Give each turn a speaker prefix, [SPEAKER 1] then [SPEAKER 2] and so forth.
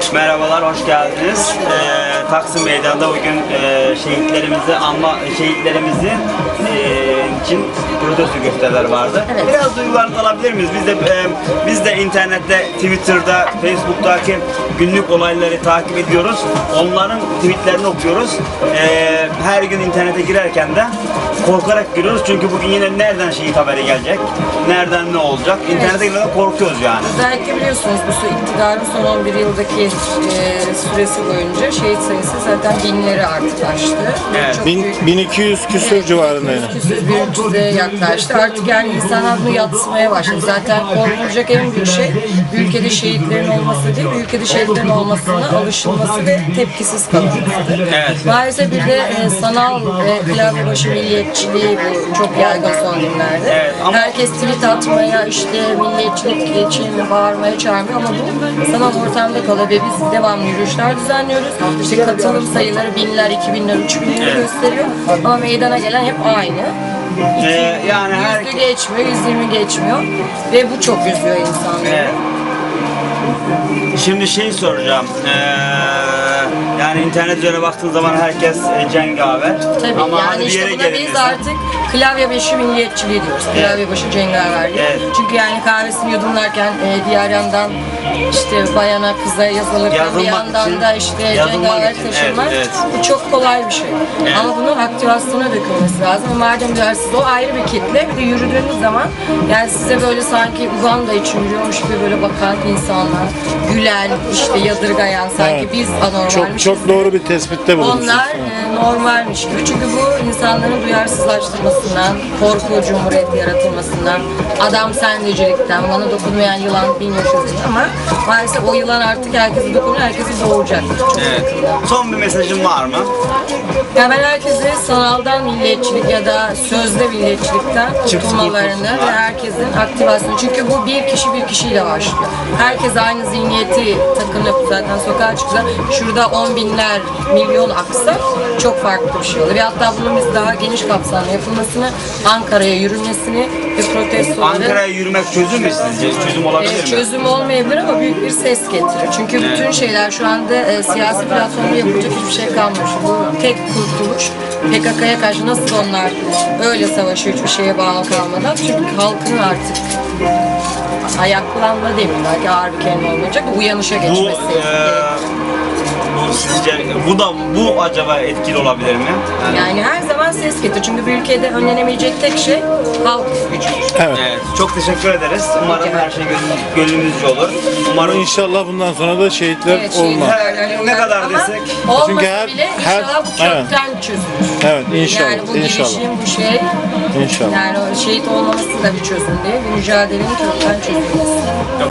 [SPEAKER 1] Merhabalar, hoş geldiniz. Taksim Meydanı'nda bugün şehitlerimizi için protesto gösterileri vardı.
[SPEAKER 2] Evet.
[SPEAKER 1] Biraz duygularınızı alabilir miyiz? Biz de internette, Twitter'da, Facebook'taki günlük olayları takip ediyoruz. Onların tweetlerini okuyoruz. Her gün internete girerken de korkarak giriyoruz çünkü bugün yine nereden şehit haberi gelecek, nereden ne olacak? İnternete girmeden korkuyoruz yani.
[SPEAKER 2] Özellikle biliyorsunuz bu iktidarın son 11 yıldaki süresi boyunca şehit sayısı zaten binleri artık aştı.
[SPEAKER 1] Evet.
[SPEAKER 2] Çok büyük,
[SPEAKER 3] 1200 küsur civarında yani.
[SPEAKER 2] 1300'e yaklaştı. Artık yani insanlar bunu yatsımaya başladı. Zaten korkulacak en büyük şey ülkede şehitlerin olması değil, ülkede şehitlerin olmasına alışılması ve tepkisiz kalınmasıdır.
[SPEAKER 1] Evet.
[SPEAKER 2] Maalesef bir de sanal klavyebaşı milliyetçiliği bu çok yaygın son günlerde.
[SPEAKER 1] Evet, ama
[SPEAKER 2] herkes tweet atmaya, işte milliyetçilik için bağırmaya çağırmıyor ama bu sanal ortamda kalıyor ve biz devamlı yürüyüşler düzenliyoruz. İşte katılım sayıları binler, 2000'ler, 3000'leri gösteriyor ama meydana gelen hep aynı.
[SPEAKER 1] Yani
[SPEAKER 2] Yüzü geçmiyor, 120 geçmiyor ve bu çok üzüyor insanları.
[SPEAKER 1] Evet. Şimdi soracağım. Yani internet üzerine baktığın zaman herkes cengaver.
[SPEAKER 2] Tabii
[SPEAKER 1] ama
[SPEAKER 2] yani
[SPEAKER 1] hani bir
[SPEAKER 2] işte
[SPEAKER 1] yere
[SPEAKER 2] buna biz
[SPEAKER 1] gelinirse-
[SPEAKER 2] artık klavyebaşı milliyetçiliği diyoruz. Klavyebaşı cengaver diye.
[SPEAKER 1] Evet.
[SPEAKER 2] Çünkü yani kahvesini yudumlarken diğer yandan işte bayana kıza yazılırken bir
[SPEAKER 1] Yazılmak
[SPEAKER 2] yandan
[SPEAKER 1] için,
[SPEAKER 2] da işte
[SPEAKER 1] yazılmak
[SPEAKER 2] cengaver
[SPEAKER 1] için,
[SPEAKER 2] taşınmak
[SPEAKER 1] evet,
[SPEAKER 2] bu çok kolay bir şey.
[SPEAKER 1] Evet.
[SPEAKER 2] Ama bunun aktivasyona dökülmesi lazım. Madem duyarsız o ayrı bir kitle. Bir de yürüdüğünüz zaman yani size böyle sanki Uganda için yürüyormuş gibi böyle bakan insanlar, gülen, işte yadırgayan sanki
[SPEAKER 3] Evet.
[SPEAKER 2] biz anormalmişiz.
[SPEAKER 3] Çok doğru bir tespitte bulunmuşsunuz.
[SPEAKER 2] Onlar normalmiş gibi. Çünkü bu insanların duyarsızlaştırmasından, korku cumhuriyeti yaratılmasından, adam sendecilikten, bana dokunmayan yılan 1000 yaşasın ama maalesef o yılan artık herkese dokunuyor, herkesi boğacak. Çok
[SPEAKER 1] Evet.
[SPEAKER 2] yakında.
[SPEAKER 1] Son bir mesajın var mı?
[SPEAKER 2] Ya ben herkese sanaldan milliyetçilik ya da sözde milliyetçilikten kurtulmalarını ve herkesin aktivasyonu. Çünkü bu bir kişi bir kişiyle başlıyor. Herkes aynı zihniyeti takınıp zaten sokağa çıksa şurada 10 binler, milyon aksa çok farklı bir şey olur. Ve hatta bunun biz daha geniş kapsamlı yapılmasını, Ankara'ya yürümesini ve protestoları
[SPEAKER 1] Ankara'ya yürümek çözüm mü sizce? Çözüm olabilir mi?
[SPEAKER 2] çözüm olmayabilir ama büyük bir ses getirir. Çünkü bütün şeyler şu anda siyasi platformda yapılacak hiçbir şey kalmamış. Bu tek kurtuluş PKK'ya karşı nasıl onlar öyle savaşıyor hiçbir şeye bağlı kalmadan. Çünkü halkın artık ayaklanma demeyeyim belki ağır bir kelime olmayacak uyanışa geçmesi gerekiyor.
[SPEAKER 1] Bu acaba etkili olabilir mi?
[SPEAKER 2] Yani her zaman ses getir. Çünkü bir ülkede önlenemeyecek tek şey halk gücüdür.
[SPEAKER 3] Evet.
[SPEAKER 1] Evet, çok teşekkür ederiz. Umarım her şey gönlümüzce olur. Umarım
[SPEAKER 3] İnşallah bundan sonra da şehitler
[SPEAKER 2] Evet,
[SPEAKER 3] olmaz.
[SPEAKER 1] Ne kadar desek.
[SPEAKER 2] Olmasa
[SPEAKER 3] Çünkü
[SPEAKER 2] bile inşallah bu kökten çözülür.
[SPEAKER 3] Evet, inşallah.
[SPEAKER 2] Yani bu
[SPEAKER 3] inşallah.
[SPEAKER 2] girişim, bu şey,
[SPEAKER 3] İnşallah.
[SPEAKER 2] yani o şehit olmaması da bir çözüm değil, bu mücadelenin kökten çözülmesi.